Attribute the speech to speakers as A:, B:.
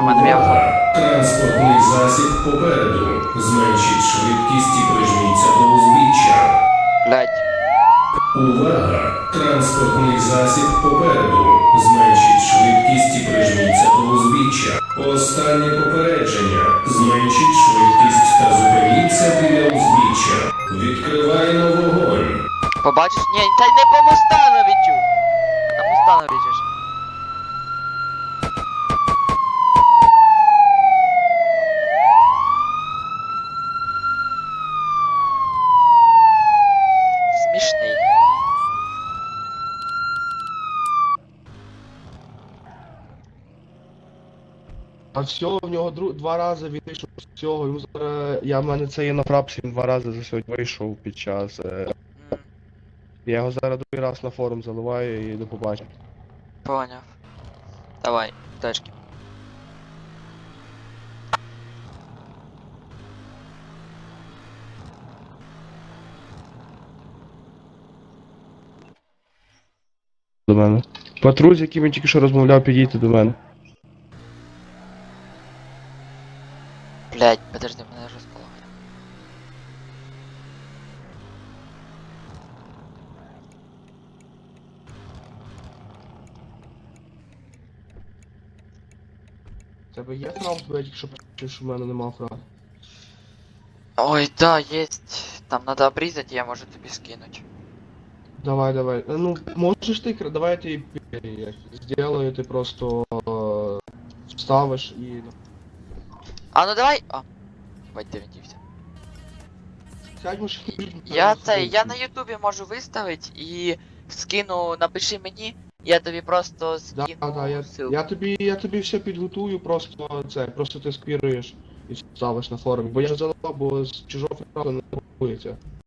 A: мене я оформлю.
B: Транспортний засіб попереду. Зменшіть швидкість і прижміться до узбіччя.
A: Блять.
B: Увага! Транспортний засіб попереду. Зменшіть швидкість і прижміться до узбіччя. Останнє попередження. Зменшіть швидкість та зупиніться біля узбіччя. Відкриваємо вогонь.
A: Побачиш? Ні, та й не по моста навіть. На моста навіть. Смішний.
C: А всього в нього два рази він вийшов з цього, йому зараз, в мене це є на фрапсі, він 2 рази за сьогодні вийшов під час. Я його зараз другий раз на форум заливаю і до побачення.
A: Поняв. Давай, тачки.
C: До мене. Патруль, з яким він тільки що розмовляв, підійти до мене.
A: Блять, подожди, мене розполагає.
C: Тебе є фрап, бо я тільки що почув, що в мене нема фрап.
A: Ой, да, есть. Там надо обрезать, я можу тобі скинуть.
C: Давай, давай. Ну, можеш ти, давай я тобі сделаю, ти просто вставиш і...
A: А ну давай. А. Бать, ти відівся.
C: Сядь машину.
A: Я на ютубі можу виставити і скину, напиши мені, я тобі просто
C: Да,
A: скину
C: да,
A: ссылку.
C: я тобі все підготую, просто ти сквіруєш і ставиш на форумі. Бо я ж заливав, бо з чужого фрапу не рахується.